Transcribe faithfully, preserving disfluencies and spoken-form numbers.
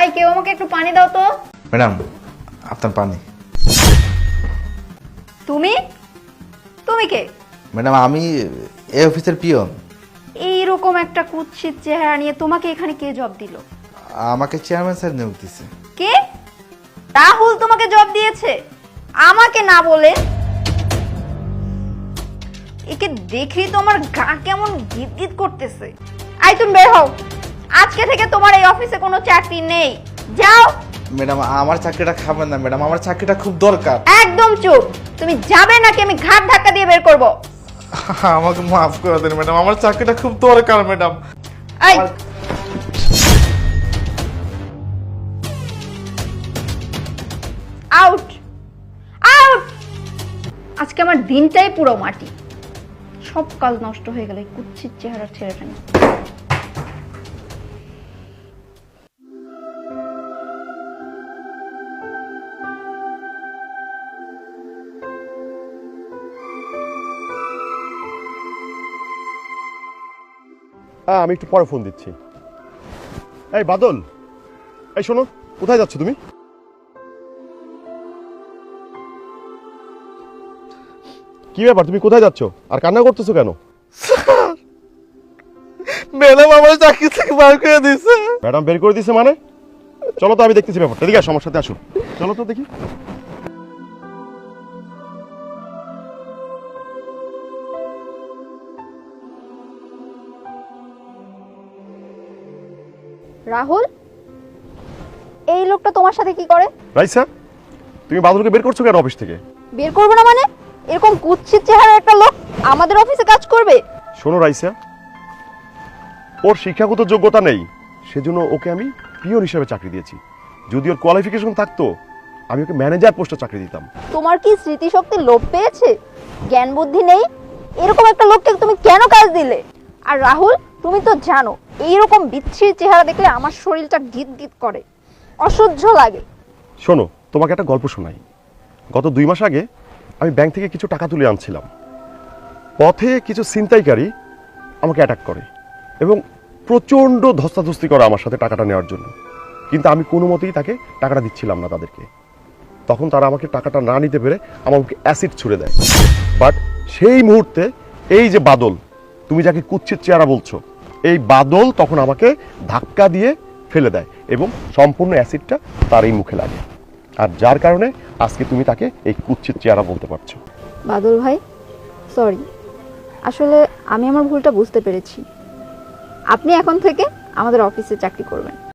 এই কেউ আমাকে একটু পানি দাও তো। ম্যাডাম আপনার পানি। তুমি তুমি কে? ম্যাডাম আমি এই অফিসের পিয়ন। এইরকম একটা কুৎসিত চেহারা নিয়ে তোমাকে এখানে কে জব দিল? আমাকে চেয়ারম্যান স্যার নিয়োগ দিছে। কে? রাহুল তোমাকে জব দিয়েছে? আমাকে না বলে? একে দেখি তো আমার গা কেমন গিট গিট করতেছে। আই তুমি বের হও, আজকে থেকে তোমার এই অফিসে কোনো চাকরি নেই, যাও। ম্যাডাম আমার চাকরিটা খাবেন না ম্যাডাম, আমার চাকরিটা খুব দরকার। একদম চুপ, তুমি যাবে নাকি আমি ঘাট ধাক্কা দিয়ে বের করব? আমাকে মাফ করে দেন ম্যাডাম, আমার চাকরিটা খুব দরকার ম্যাডাম। এই আউট আউট। আজকে আমার দিনটাই পুরো মাটি, সব কাজ নষ্ট হয়ে গেল এই কুৎসিত চেহারা ছেলেটা নিয়ে। হ্যাঁ আমি একটু পরে ফোন দিচ্ছি। এই বাদল, এই শোনো, কোথায় যাচ্ছ তুমি? কি ব্যাপার, তুমি কোথায় যাচ্ছ আর কান্না করতেছো কেন? ম্যাডাম আমার চাকরি থেকে বার করে দিয়েছে। ম্যাডাম বের করে দিয়েছে মানে? চলো তো আমি দেখতেছি ব্যাপারটা। এদিকে আসো, আমার সাথে আসো, চলো তো দেখি। রাহুল, এই লোকটা তোমার সাথে কি করে? রাইসা, তুমি বাদলকে বের করছো কেন অফিস থেকে? বের করবো না মানে? এরকম কুৎসিত চেহারার একটা লোক আমাদের অফিসে কাজ করবে? শোনো রাইসা, ওর শিক্ষাগত যোগ্যতা নেই, সেজন্য ওকে আমি পিয়ন হিসেবে চাকরি দিয়েছি। যদি ওর কোয়ালিফিকেশন থাকতো আমি ওকে ম্যানেজার পোস্টে চাকরি দিতাম। তোমার কি স্মৃতিশক্তি লোপ পেয়েছে? জ্ঞান বুদ্ধি নেই? এরকম একটা লোককে তুমি কেন কাজ দিলে? আর রাহুল, তুমি তো জানো এইরকম বিচ্ছিরি চেহারা দেখলে আমার শরীরটা গিট গিট করে, অসহ্য লাগে। শোনো, তোমাকে একটা গল্প শোনাই। গত দুই মাস আগে আমি ব্যাংক থেকে কিছু টাকা তুলে আনছিলাম, পথে কিছু ছিনতাইকারী আমাকে অ্যাটাক করে এবং প্রচণ্ড ধস্তাধস্তি করে আমার সাথে টাকাটা নেওয়ার জন্য। কিন্তু আমি কোনো মতেই তাকে টাকাটা দিচ্ছিলাম না তাদেরকে। তখন তারা আমাকে টাকাটা না নিতে পেরে আমাকে অ্যাসিড ছুড়ে দেয়। বাট সেই মুহূর্তে এই যে বাদল, তুমি যাকে কুৎসিত চেহারা বলছো, এই বাদল তখন আমাকে ধাক্কা দিয়ে ফেলে দেয় এবং সম্পূর্ণ অ্যাসিডটা তার এই মুখে লাগে। আর যার কারণে আজকে তুমি তাকে এই কুৎসিত চেহারা বলতে পারছো। বাদল ভাই, সরি, আসলে আমি আমার ভুলটা বুঝতে পেরেছি। আপনি এখন থেকে আমাদের অফিসে চাকরি করবেন।